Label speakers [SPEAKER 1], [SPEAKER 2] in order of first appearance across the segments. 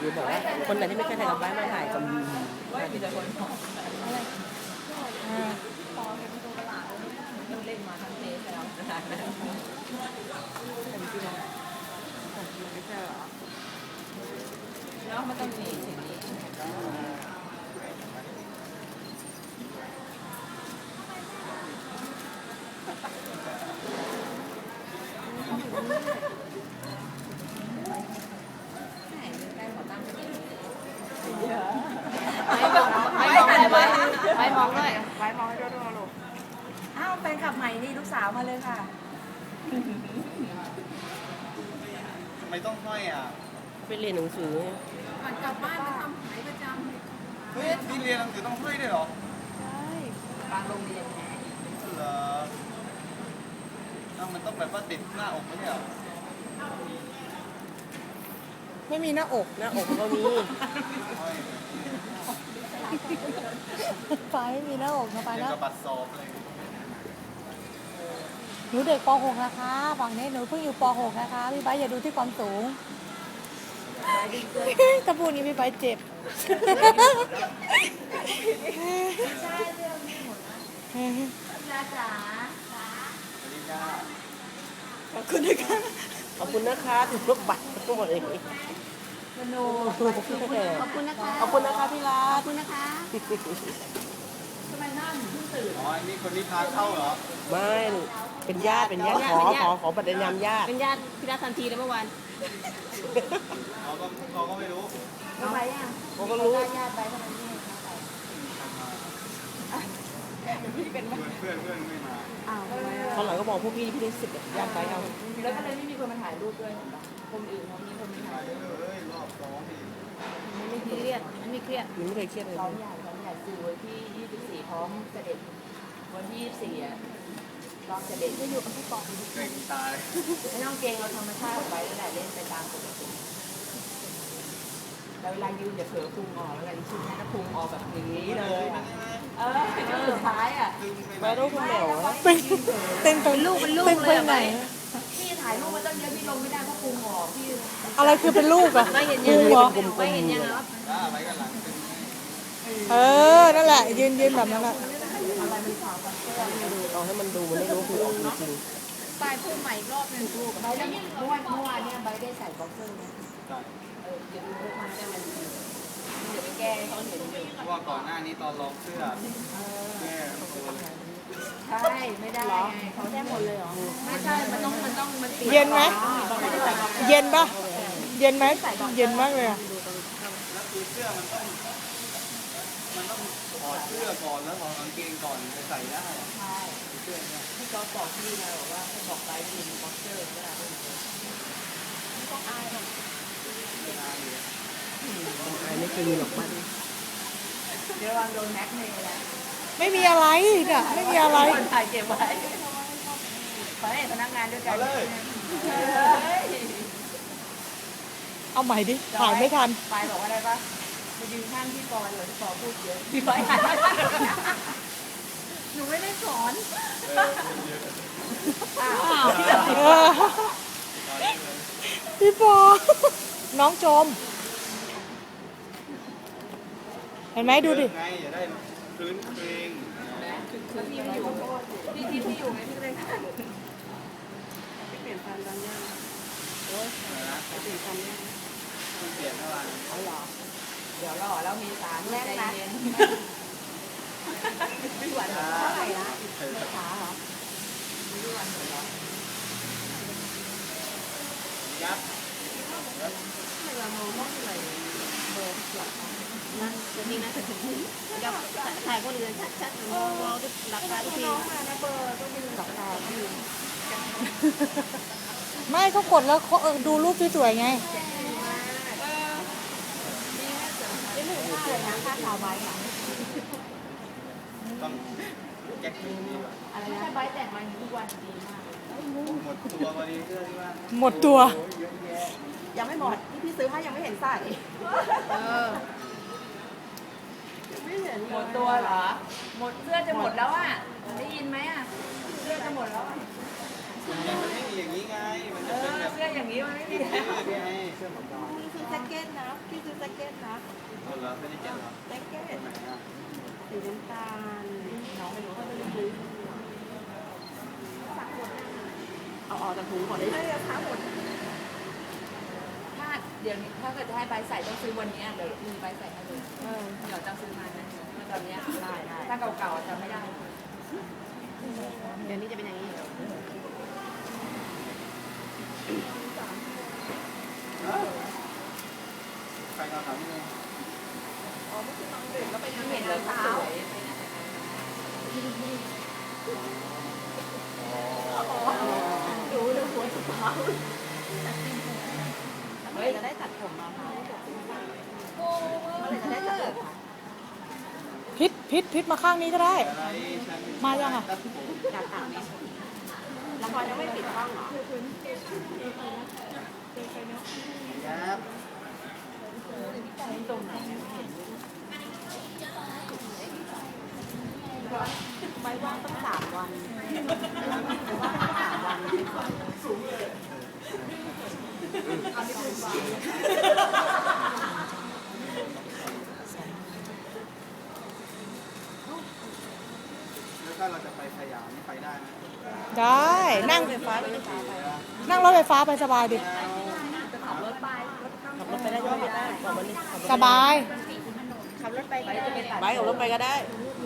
[SPEAKER 1] รือบอกว่าคนไหนที่ไม่เคยถ่ายกับบ้านมาถ่ายกับ
[SPEAKER 2] ว่ามีแต่คนบอกอะไรเล่นมาทั้งเทสแล้วขนาดนั้นแล้วมันต้องมีสิ่งนี้
[SPEAKER 3] ไปมองด้วยไปมองให้ด้วยลูกอ้าวแฟนคลับใหม่นี่ลูกสาวมาเลยค่ะ
[SPEAKER 4] ทำไมต้องห้อยอ่ะ
[SPEAKER 1] ไปเรียนหนังสือ
[SPEAKER 3] ก่อนกลับบ้านมาทำหายประจำ
[SPEAKER 4] เฮ้ยนี่เรียนหนังสือต้องห้อยด้วยเหรอ
[SPEAKER 3] ใช่
[SPEAKER 2] บางโรงเรียนแหม
[SPEAKER 4] เหรอมันต้องแบบว่าติดหน้าอกไม่ใช่เหรอ
[SPEAKER 1] ไม่มีหน้าอกหน้าอกก็มี
[SPEAKER 3] ไปไม่มีหน้าอกนะไปแล้ว
[SPEAKER 4] กับบัตรสอบอะไร
[SPEAKER 3] หนูเด็กป .6 นะคะฝั่งนี้หนูเพิ่งอยู่ป .6 นะคะพี่ไบร์ทอย่าดูที่ความสูงถ้าพูดนี้พี่ไบร์ทเจ็บใช่เรื่องนี้หมดนะจ๋า
[SPEAKER 1] ขอบคุณนะคะขอบคุณนะคะถึงลูกบัตรทั้งหมดเลย
[SPEAKER 3] มโนขอบคุณนะคะ
[SPEAKER 1] ขอบคุณนะคะพี่รัต
[SPEAKER 3] ขอบคุณนะคะทำไมหน้าหนูเพิ่งตื่น
[SPEAKER 4] อ๋อนี่คนนี้พาเข้าเหรอ
[SPEAKER 1] ไม่เป็นญาติขอบัตรนำญาติ
[SPEAKER 2] เป็นญาติพี่รัตทันทีเลยเมื่อวาน
[SPEAKER 4] เขาก็ไม่รู้
[SPEAKER 3] ทำไมอ่ะ
[SPEAKER 1] เขาก็รู้
[SPEAKER 3] ญาติไปทำไมไม่
[SPEAKER 4] เป็นเพื่อนไม่มา
[SPEAKER 1] เขาหลังก็บอกพวกพี่ได้สิทธิ์ญาติไปเอา
[SPEAKER 2] แล้วก็เลยไม่มีคนมาถ่ายรูปด้วยคนอื่นเขามีคนมาถ่ายรูป
[SPEAKER 4] รอบสองนี่
[SPEAKER 2] ไม่เครียดไม่เครียด
[SPEAKER 1] ไม่เคยเครียดเลย
[SPEAKER 2] ซ้อมใหญ่คือวันที่24พร้อมเสด็จวันที่24รอบเสด็จ
[SPEAKER 3] จะอยู่กับพี่ปอง
[SPEAKER 4] เก่งตาย
[SPEAKER 2] ไม่ต้องเก่งเราธรรมชาติไว้แล้วแหละเล่นไปตามปกติแล้วเวลายืนอย่าเผลอพุงออกเวลาชุดนั้นพุงออกแบบนี้เลยสุดท้ายอ่ะ
[SPEAKER 1] มาดูคุณแมว
[SPEAKER 3] เป็นลูกเลยไหน
[SPEAKER 2] พี่ถ่ายรูปมาตั้งเยอะพี่ลงไม่ได้เพราะพุงออกพี่
[SPEAKER 3] อะไรคือเป็นลูกอ่ะ
[SPEAKER 2] ไม่เห็นยังไม่เห็นยังครับ
[SPEAKER 4] ไปกันหลัง
[SPEAKER 3] นั่นแหละยืนแบบนั้นแหละ
[SPEAKER 1] เอาให้มันดูมันได้รู้คือออกจริง
[SPEAKER 3] ปลายพุ่งใหม่รอบนึงลูก
[SPEAKER 2] ใบได้เมื่อวานเนี่ยใบได้ใส่บ็อกเซอร์นะเดี๋ยวดูมันได้มันเดี๋ยวไปแก้เขาเห็นอยู่
[SPEAKER 4] เพราะว่าก่อนหน้านี้ตอนลองเสื้อแม่
[SPEAKER 2] ใช่ไม่ได้เขาได้หมดเลยเหรอไม่ใช่มัน
[SPEAKER 3] เย็นไหมเย็นปะเย็นไหมเย็นมากเลยอ่ะ
[SPEAKER 4] แล้วคือเสื้อมันต้องถอดเสื้อก่อนแล้วถอดกางเกงก่อนจะใส่ได้
[SPEAKER 2] ใช่เสื้อเนี่ยที่เขาบอกที่นะบอกว่าให้บอกไปยืนบ็อกเซอร์ก็ได้ไม่ต้องอายหรอก
[SPEAKER 1] ไม่เคยมีหรอกมัน
[SPEAKER 2] เดี๋ยววางโดนแม็กเมย์แหละ
[SPEAKER 3] ไม่มีอะไรเนี่ยไม่มีอะไร
[SPEAKER 2] คนถ่ายเก็บไว้ขอให้พนักงานด้วยกัน
[SPEAKER 3] เอาใหม่ดิถ่ายไม่ทัน
[SPEAKER 2] ไปบอกว่าอะไรปะไปยืนข้างพี่ปอยเลยพี่ปอพูดเยอะพี่ปอยถ่ายหนูไม่ได้สอน
[SPEAKER 3] พี่ปอน้องโจมเห็นไหมดูดิ
[SPEAKER 4] ไงอย่าได้พื้นเพลง
[SPEAKER 2] พี่ไม่อยู่พี่อยู่ไงพี่เลยเปลี่ยนฟันตอนนี้โอ้ยเปลี่ยนฟันเนี่ย
[SPEAKER 4] เปลี่ยนเท่าไหร่
[SPEAKER 2] เอาหรอเดี๋ยวรอแล้วมีสารแน่ใจเย็นไม่หวานเท่าไหร่ละไม่ช้าเหรอไม่หวานเหรอ
[SPEAKER 4] ยับ
[SPEAKER 2] ไม่ละโมมากเลยเบอร์หลักนั่นจะมีนะจะถ่ายคนอื่นชัดๆมองหลักตาทุกทีนะเบอร์ต้องมีหลักตาทุกที
[SPEAKER 3] ไม่เขากดแล้วเขาดูรูปสวยๆไง
[SPEAKER 2] ค่าสาวใบค่ะ
[SPEAKER 4] ต้องแก๊กนี้
[SPEAKER 2] อะไรนะใบแต่งมาทุกวันดีมาก
[SPEAKER 4] หมดตัวพอดีเสื้อที่ว่า
[SPEAKER 3] หมดตัว
[SPEAKER 2] ยังไม่หมดที่พี่ซื้อให้ยังไม่เห็นใส่ไม่เห็นหมดตัวเหรอหมดเสื้อจะหมดแล้วอ่ะได้ยินไหมอ่ะเสื้อจะหมดแล้ว
[SPEAKER 4] ใหญ่มันไม่มีอย่างนี้ไงมันจะเป็นแบบ
[SPEAKER 2] เสื้ออย่างนี้มันไม่มี
[SPEAKER 4] ไงเสื้อหมอกอน
[SPEAKER 2] พี่ซื้อแจ็คเก็ตนะพี่ซื้อแจ็คเก็ตนะ
[SPEAKER 4] เอาเหรอไม่ได้เก็บเหรอ
[SPEAKER 2] แจ็คเก็ต
[SPEAKER 4] ไหนอ่ะ
[SPEAKER 2] สีน้ำตาลน้องไม่รู้เขาไม่รู้เอาออกจากถุงก่อนได้ไหมคะหมด
[SPEAKER 5] ถ้าเดี๋ยวนี้ถ้าเกิดจะให้ใบใส่ต้องซื้อวันนี้เดี๋ยวมีใบใส่ให้เลยเดี๋ยวจะซื้อมานะตอนนี้ได้ถ้าเก่าๆจะไม่ได้
[SPEAKER 2] เดี๋ยวนี้จะเป็นอย่างนี้
[SPEAKER 4] ใครเอาถามนิดนึง
[SPEAKER 5] เห็นเลยสวย
[SPEAKER 2] ดูเลยหัวสุดท้ายเมื่อไหร่จะได้ตัดผมมาคะเมื่อไหร่จะได้ตัดผมคะ
[SPEAKER 3] พิษมาข้างนี้ก็ได้
[SPEAKER 4] อะไรฉัน
[SPEAKER 3] มายังอ่ะ
[SPEAKER 4] ตัดผม
[SPEAKER 2] อยากตัดไหมละครยังไม่ปิดกล้องเหรอ
[SPEAKER 4] ครับ
[SPEAKER 5] ตรงไหน
[SPEAKER 2] ใบว่างต้อง3 วันว่าง3 วัน
[SPEAKER 4] แล้วถ้าเราจะไปสยามนี่ไปได้ไหม
[SPEAKER 3] ได้นั่ง
[SPEAKER 2] ไฟฟ้าไม่ได้ฟ้าไป
[SPEAKER 3] นั่งรถไฟฟ้าไปสบายดิ
[SPEAKER 2] ขับรถไป
[SPEAKER 1] ขับรถไปได้ก็ได้บอกมันนี่ขับรถ
[SPEAKER 3] สบาย
[SPEAKER 2] ขับรถไปก็จะไปตัด
[SPEAKER 1] ไปกับรถไปก็ได้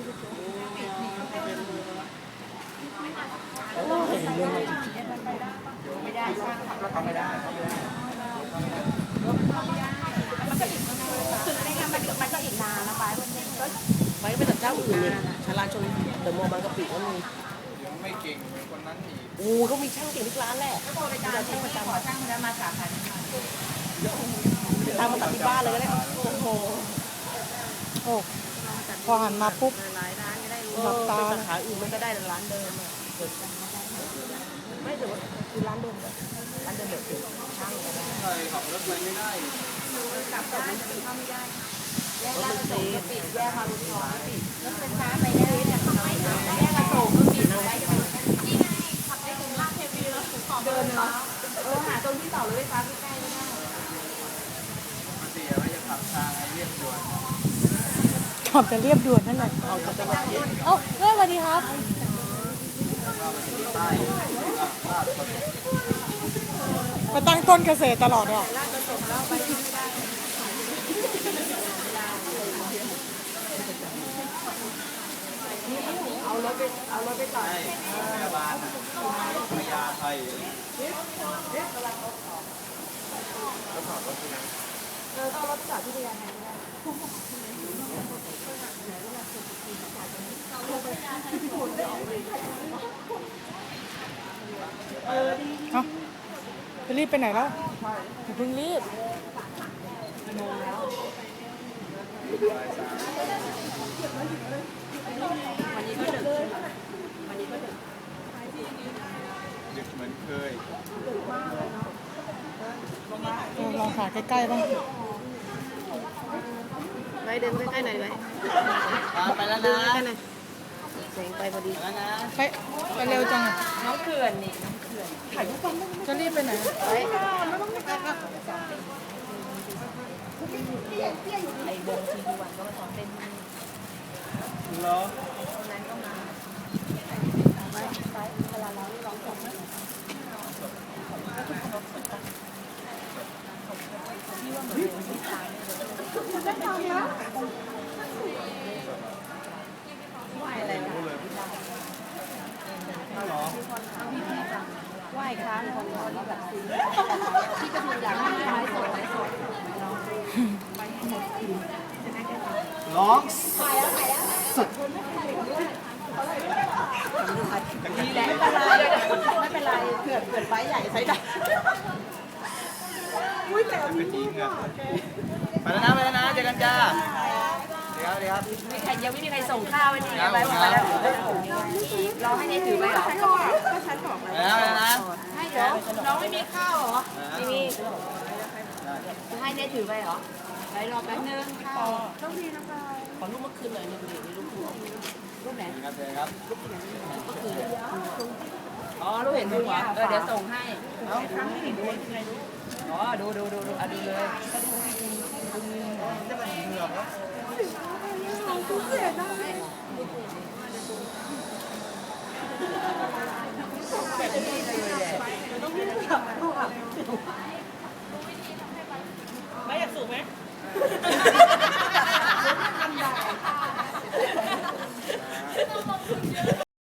[SPEAKER 1] โอ้ยเรื่องอะไร
[SPEAKER 2] ไม่ได้ช่างขับรถ
[SPEAKER 4] เข้าไม่ได้เข้าไม่ได้
[SPEAKER 2] ไม่งั้นมันก็อีกนานนะไป
[SPEAKER 1] ไปก็ไปตัดเจ้าอื่นเลยชาลาชนเดอะมอลล์บางกะปิก็มี
[SPEAKER 4] เดี๋ยวไม่เก่งเหมือนคนนั้นอีก
[SPEAKER 1] โอ้เขามีช่างเก่งทุกร้านแหละ
[SPEAKER 5] ไปตามที่ขอช่างคนนั้นมาสาขา
[SPEAKER 1] ตามมาตัดที่บ้านเลยก็ได้โอ้โห
[SPEAKER 3] โอ้พอหันมาปุ๊บ
[SPEAKER 2] หลายร้านจะได้รู้
[SPEAKER 1] เออไปสาขาอื่นมันก็ได้ร้านเดิมอะไม่แต่ว่าคือร้านเดิมอะร้านเดิมแบบช่างก็ได้
[SPEAKER 4] ใช่ขับรถไปไม่ได้
[SPEAKER 5] กลับได้แต่เข้าไม่ได้แยก
[SPEAKER 1] รถ
[SPEAKER 5] ลาด
[SPEAKER 1] มัน
[SPEAKER 5] กระโส
[SPEAKER 1] เซ
[SPEAKER 5] ก็
[SPEAKER 1] ฟ
[SPEAKER 5] ปิดแยกมาลุงทองก็ปิดรถไฟฟ้าไปได้เนี่ยทำไมแยกกระโสก็ปิดเอาไว้จะไปนี่ไงขับไปถึงลาดเทวีแล้วเดินเหรอหาตรงที่ต่อรถไฟฟ้าใกล้ๆก็ได้
[SPEAKER 4] มาเสียว่าจะขับทางไอ้เรียบด่วน
[SPEAKER 3] ขับจะเรียบด่วนนั่นแหละ
[SPEAKER 1] เอาจะไปวัดเย็น
[SPEAKER 3] เอ้าเฮ้ยสวัสดีครับ
[SPEAKER 4] เข้าไปถึงใต้ลาดกระบัง
[SPEAKER 3] ไปตั้งต้นเกษตรตลอดอ่ะ
[SPEAKER 5] เอารถไปต่อ
[SPEAKER 4] ใช่พยาบาลน่ะพยาไทย
[SPEAKER 5] เอารถจอดที่พยาไทยก็ได้
[SPEAKER 3] เอ้าจะรีบไปไหนแล้วอย่าเพิ่งรีบ
[SPEAKER 2] วันนี้ก็ดึกวันนี้ก็ดึก
[SPEAKER 4] ดึกเหมือนเคย
[SPEAKER 3] ลองถ่ายใกล้ๆบ้าง
[SPEAKER 2] ไว้เดินใกล้ๆหน่อยไว้
[SPEAKER 4] ไปแล้ว
[SPEAKER 2] เดิ
[SPEAKER 4] นะ
[SPEAKER 2] นใกล้ๆหน่อยแสงไปพอดี
[SPEAKER 4] ไปแล้วนะ
[SPEAKER 3] ไปเร็วจังอะ
[SPEAKER 5] น้องเขื่อนนี่น้องเขื่อน
[SPEAKER 3] จะรีบไปไหน
[SPEAKER 2] ไว้
[SPEAKER 5] ไอ้วงทีวันก็มาซ้อมเต้นที่นี่
[SPEAKER 4] เหรอ
[SPEAKER 5] คนนั้นก็มาเวลาเราร้องจบนะที่ว่าเหมือนเป็นที่ตายไหวอะไรนะ
[SPEAKER 4] รู้เลยเหรอ
[SPEAKER 5] ไหวค้างคนร้อนแล้วแบบซื้อที่ก็คืออยากให้ไม้สดไม้สด
[SPEAKER 4] ร้องสุด
[SPEAKER 5] นี่แหละไม่เป็นไรเผื่อไฟใหญ่ใช้ได้
[SPEAKER 4] เป็นจริงอ่ะไปแล้วนะไปแล้วนะเจอกันจ้าเดี๋ยวเดี๋ยว
[SPEAKER 5] มีใครยังไม่มีใครส่งข้าวไว้นี่ไว้บอกมาแล้วรอให้เนี่ยถือไปเหรอ
[SPEAKER 4] ไปแล้วไปแล้วนะ
[SPEAKER 5] ให้เดี๋ยวน้องไม่มีข้าวเหรอไม่มีจะให้เนี่ยถือไปเหรอไปรอแป๊บนึงข้าวต้องดีนะคะ
[SPEAKER 1] ขอรูปเมื่อคืนหน่อยหนึ่งดิมีรูปหัว
[SPEAKER 5] รูปไหน
[SPEAKER 4] ครับเจอครับ
[SPEAKER 1] เมื่อคืนอ๋อรู้เห็นดูเหรอเดี๋ยวส่งให้เอาครั้งที่ดูอ๋อดูอ่ะดูเลย
[SPEAKER 4] จะเป็นเหงือก